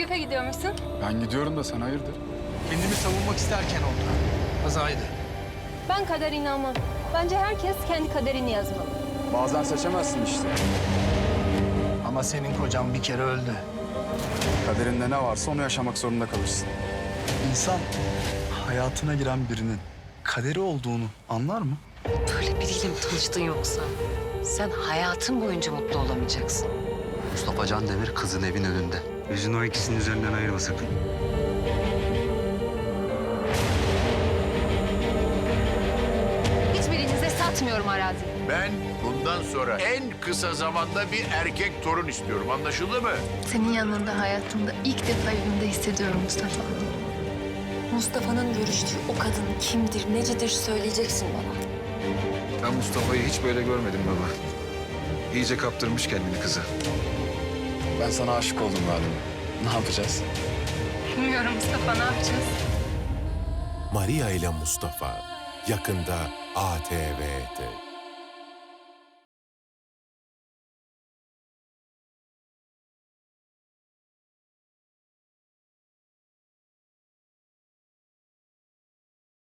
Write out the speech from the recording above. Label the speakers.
Speaker 1: Şükrü'ye gidiyormuşsun.
Speaker 2: Ben gidiyorum da sen hayırdır?
Speaker 3: Kendimi savunmak isterken oldu. Kazaydı.
Speaker 1: Ben kadere inanmam. Bence herkes kendi kaderini yazmalı.
Speaker 2: Bazen seçemezsin işte.
Speaker 3: Ama senin kocan bir kere öldü.
Speaker 2: Kaderinde ne varsa onu yaşamak zorunda kalırsın.
Speaker 4: İnsan hayatına giren birinin kaderi olduğunu anlar mı?
Speaker 5: Böyle biriyle mi tanıştın yoksa? Sen hayatın boyunca mutlu olamayacaksın.
Speaker 6: Mustafa Can Demir kızın evin önünde. Yüzünü o ikisinin üzerinden ayırma sakın.
Speaker 1: Hiçbirinize satmıyorum arazi.
Speaker 7: Ben bundan sonra en kısa zamanda bir erkek torun istiyorum. Anlaşıldı mı?
Speaker 8: Senin yanında hayatımda ilk defa evimde hissediyorum Mustafa.
Speaker 9: Mustafa'nın görüştüğü o kadın kimdir, necidir söyleyeceksin bana.
Speaker 10: Ben Mustafa'yı hiç böyle görmedim baba. İyice kaptırmış kendini kıza.
Speaker 2: Ben sana aşık oldum galiba. Ne yapacağız?
Speaker 1: Bilmiyorum Mustafa, ne yapacağız?
Speaker 11: Maria ile Mustafa yakında ATV'de.